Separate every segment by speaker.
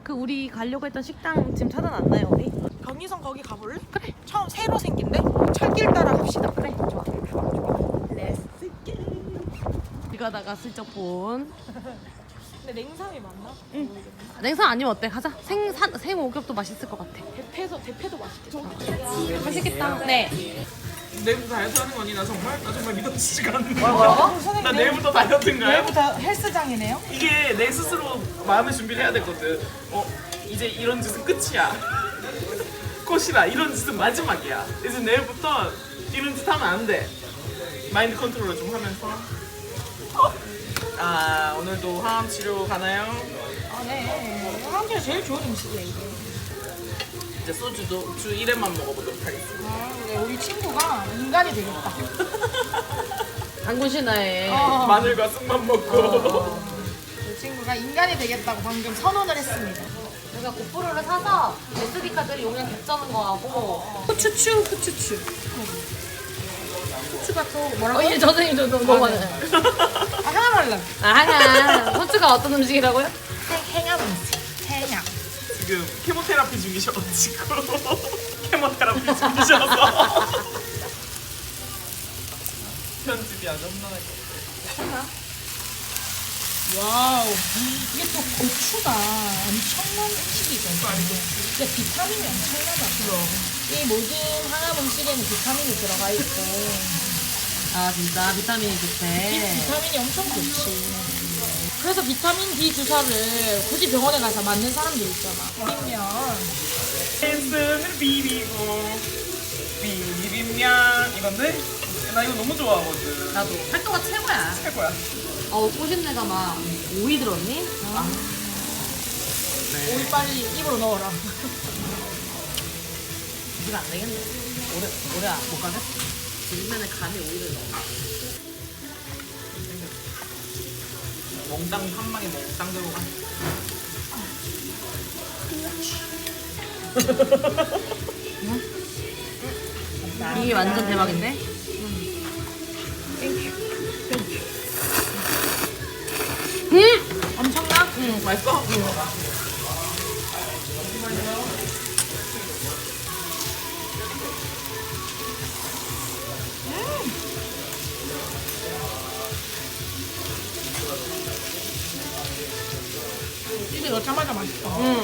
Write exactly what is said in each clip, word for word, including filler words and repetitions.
Speaker 1: 그 우리 가려고 했던 식당 지금 찾아놨나요 우리?
Speaker 2: 경리선 거기 가볼래?
Speaker 1: 그래.
Speaker 2: 처음 새로 생긴데? 철길 따라 갑시다.
Speaker 1: 그래 좋아. Let's go. 이거다가 슬쩍 본.
Speaker 2: 근데 냉삼이 맞나?
Speaker 1: 응. 냉삼 아니면 어때? 가자. 생산 생오겹도 맛있을 것 같아.
Speaker 2: 대패서 대패도 맛있겠다.
Speaker 1: 맛있겠다. 네.
Speaker 3: 내일부터 다이어트 하는 거니? 나 정말? 나 정말 믿어지지가 않네.
Speaker 2: 뭐라고?
Speaker 3: 나 내일부터 다이어트인가요?
Speaker 2: 내일부터 헬스장이네요?
Speaker 3: 이게 내 스스로 마음의 준비를 해야 되거든. 어, 이제 이런 짓은 끝이야. 꽃이라 이런 짓은 마지막이야. 이제 내일부터 이런 짓 하면 안 돼. 마인드 컨트롤을 좀 하면서. 아, 오늘도 항암 치료 가나요?
Speaker 2: 아, 네. 한국에 제일 좋은 음식이야, 이게.
Speaker 3: 이제 소주도 주 일 회만 먹어보도록 하겠습니다.
Speaker 2: 아, 네, 우리 친구가 인간이 되겠다.
Speaker 1: 당군 신화에.
Speaker 2: 어.
Speaker 3: 마늘과 쑥만 먹고.
Speaker 2: 우리 친구가 인간이 되겠다고 방금 선언을 했습니다.
Speaker 1: 우리가 고프로를 사서 에스디 카드를 용량 겹자는 거하고 후추추 후추추.
Speaker 2: 후추가 또 뭐라고?
Speaker 1: 어, 예, 선생님 저 너무 많아요.
Speaker 2: 아, 하나 말라.
Speaker 1: 아, 하나. 후추가 어떤 음식이라고요?
Speaker 2: 해양 음식. 해양.
Speaker 3: 지금 케모테라피 중이셔가지고 케모테라피 중이셔서 편집이 아주 험난할 것 같아요.
Speaker 2: 와우. 이게 또 고추가 엄청난 음식이거든요. 근데 비타민이 엄청나다. 이 모든 항암 음식에는 비타민이 들어가 있고
Speaker 1: 아, 진짜 비타민이
Speaker 2: 이
Speaker 1: 좋대.
Speaker 2: 비타민이 엄청 좋지. 그래서 비타민 D 주사를 굳이 병원에 가서 맞는 사람들 있잖아. 비빔면.
Speaker 3: 펜스를 비비고 비빔면 이건데 나 이거 너무 좋아하거든.
Speaker 1: 나도 활동가 최고야.
Speaker 3: 최고야.
Speaker 1: 어, 꼬신내가 막 오이 들었니?
Speaker 2: 오이 빨리 입으로 넣어라.
Speaker 1: 이거 안 되겠네. 오래, 오래 안- 못 가겠어. 비빔면에 간에 오이를 넣어.
Speaker 3: 몽땅 한 방에 몽땅 들어가.
Speaker 1: 이게 완전 대박인데? 음!
Speaker 2: 엄청나?
Speaker 3: 응, 맛있어? 응.
Speaker 2: 입에 넣자마자 맛있어.
Speaker 1: 응.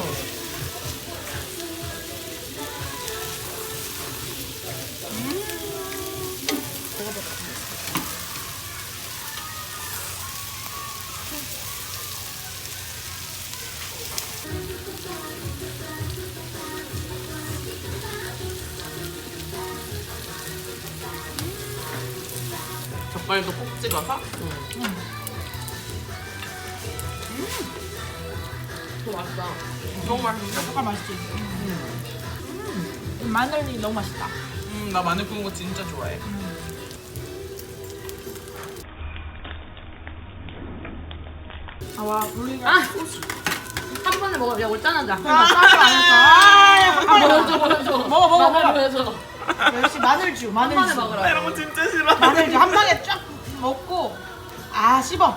Speaker 3: 젓갈도 꼭 찍어서.
Speaker 1: 또 맛있다.
Speaker 3: 너무 맛있는데?
Speaker 2: 젓갈 맛있지? 음. 마늘이 너무 맛있다.
Speaker 3: 음, 나 마늘 구운 거 진짜 좋아해.
Speaker 2: 아, 와, 분리가.
Speaker 1: 아! 한 번에 먹어. 야, 올짠하자.
Speaker 2: 아, 싸지 않았어. 아,
Speaker 1: 아,
Speaker 2: 빨리
Speaker 1: 보여줘, 보여줘.
Speaker 2: 먹어, 먹어,
Speaker 1: 마늘
Speaker 2: 먹어.
Speaker 1: 보여줘.
Speaker 2: 역시 마늘주,
Speaker 1: 한 번에
Speaker 2: 마늘주.
Speaker 3: 나
Speaker 1: 먹으라.
Speaker 3: 이런 거 진짜 싫어.
Speaker 2: 마늘주 한 방에 쫙 먹고, 아, 씹어.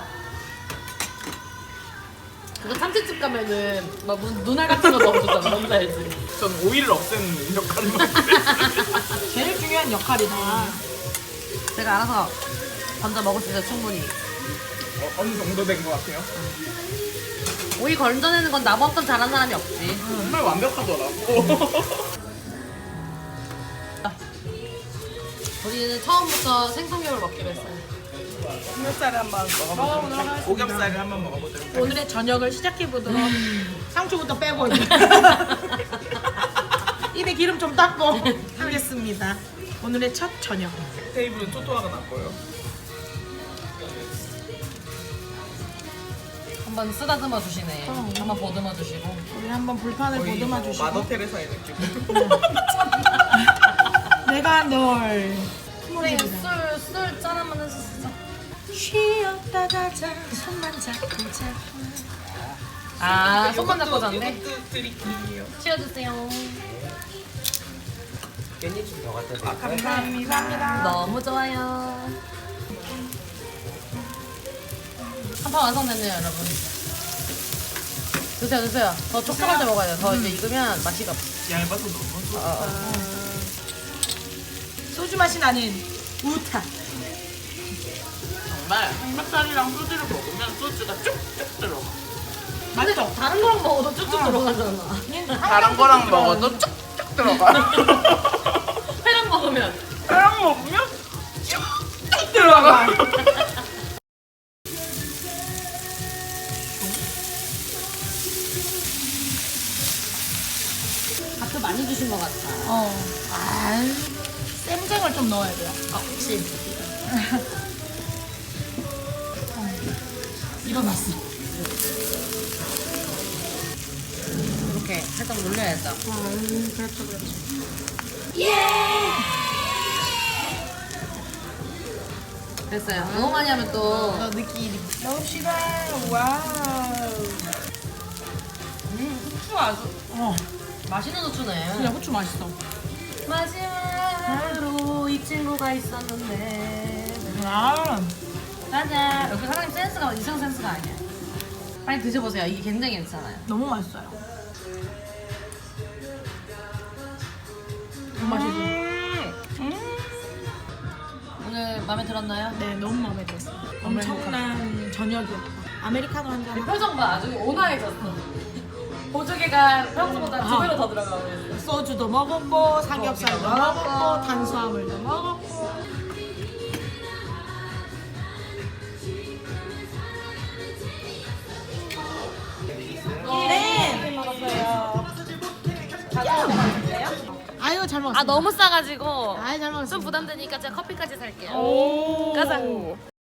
Speaker 1: 그거 참치집 가면은 막 무슨 눈알 같은 거 넣어주잖아. 뭔지 알지?
Speaker 3: 전 오이를 없애는 역할을 맡고
Speaker 2: 제일 중요한 역할이다.
Speaker 1: 제가 알아서 던져 먹을 수 있어요, 충분히.
Speaker 3: 어, 어느 정도 된 것 같아요.
Speaker 1: 오이 건져내는 건 나만큼 잘하는 사람이 없지.
Speaker 3: 정말 완벽하더라고.
Speaker 1: 우리는 처음부터 생선겹을 먹기로 했어요.
Speaker 3: 삼겹살을 한번
Speaker 2: 먹어보도록
Speaker 3: 먹어보도록
Speaker 2: 하겠습니다.
Speaker 3: 하겠습니다. 오겹살을 한번 먹어보도록 하겠습니다.
Speaker 2: 오늘의 저녁을 시작해보도록. 상추부터 빼고, 이제. 입에 기름 좀 닦고 하겠습니다. 오늘의 첫 저녁.
Speaker 3: 테이블은 토토화가 났고요.
Speaker 1: 한번 쓰다듬어 주시네.
Speaker 2: 어.
Speaker 1: 한번 보듬어 주시고.
Speaker 2: 우리 한번 불판을
Speaker 3: 거의
Speaker 2: 보듬어
Speaker 3: 뭐
Speaker 2: 주시고.
Speaker 3: 마더 테레사의 느낌.
Speaker 2: 내가 널
Speaker 1: 우리 술, 술 짠하면 했었어.
Speaker 2: 쉬었다 가자 손만 잡고 자.
Speaker 1: 아, 손만 잡고 잤네.
Speaker 3: 이것도 드릴게요.
Speaker 1: 치워주세요.
Speaker 4: 깻잎 좀 더 갖다 드릴까요?
Speaker 3: 아, 감사합니다.
Speaker 2: 감사합니다.
Speaker 1: 너무 좋아요. 한 판 완성됐네요, 여러분. 드세요 드세요. 더 촉촉할 때 먹어야 돼. 더 이제 익으면 맛이 없어.
Speaker 3: 얇아서 너무 좋아.
Speaker 1: 어, 어.
Speaker 2: 소주 맛이 나는 우타.
Speaker 3: 정말 삼겹살이랑 소주를 먹으면 소주가 쭉쭉 들어가.
Speaker 1: 맞죠? 다른 거랑 먹어도 쭉쭉 들어가잖아.
Speaker 3: 다른 거랑 먹어도 쭉쭉 들어가.
Speaker 1: 회랑 먹으면
Speaker 3: 회랑 먹으면 쭉쭉 들어가.
Speaker 1: 밥도 많이 주신 것 같아.
Speaker 2: 어. 아, 쌤쟁을 좀 넣어야 돼요.
Speaker 1: 아, 그치.
Speaker 2: 일어났어.
Speaker 1: 이렇게 살짝 놀려야죠.
Speaker 2: 음, 그렇죠, 그렇죠.
Speaker 1: 됐어요. 너무 많이 하면 또
Speaker 2: 어, 느끼. 넣읍시다. 와우. 음, 후추 아주. 어,
Speaker 1: 맛있는 후추네.
Speaker 2: 그냥 후추 맛있어.
Speaker 1: 마지막으로 이 친구가 있었는데.
Speaker 2: 아,
Speaker 1: 짜잔. 여기 사장님 센스가 이상 센스가 아니야. 빨리 드셔보세요. 이게 굉장히 괜찮아요.
Speaker 2: 너무 맛있어요. 너무 맛있어. 음.
Speaker 1: 오늘 마음에 들었나요?
Speaker 2: 네, 너무 마음에 들었어요. 엄청난 저녁이었고. 아메리카노 한 잔.
Speaker 1: 표정 봐. 아주 온화해졌어. 보조개가 평소보다 두
Speaker 2: 아.
Speaker 1: 배로 더 들어가고 있어.
Speaker 2: 소주도 먹었고, 삼겹살도
Speaker 1: 고기도
Speaker 2: 먹었고,
Speaker 1: 먹었고.
Speaker 2: 탄수화물도 먹었고. 네. 먹었어요. 아유, 잘 먹었어요.
Speaker 1: 아 너무 싸가지고
Speaker 2: 아유, 잘 먹었어요.
Speaker 1: 좀 부담되니까 제가 커피까지 살게요.
Speaker 2: 오.
Speaker 1: 가자.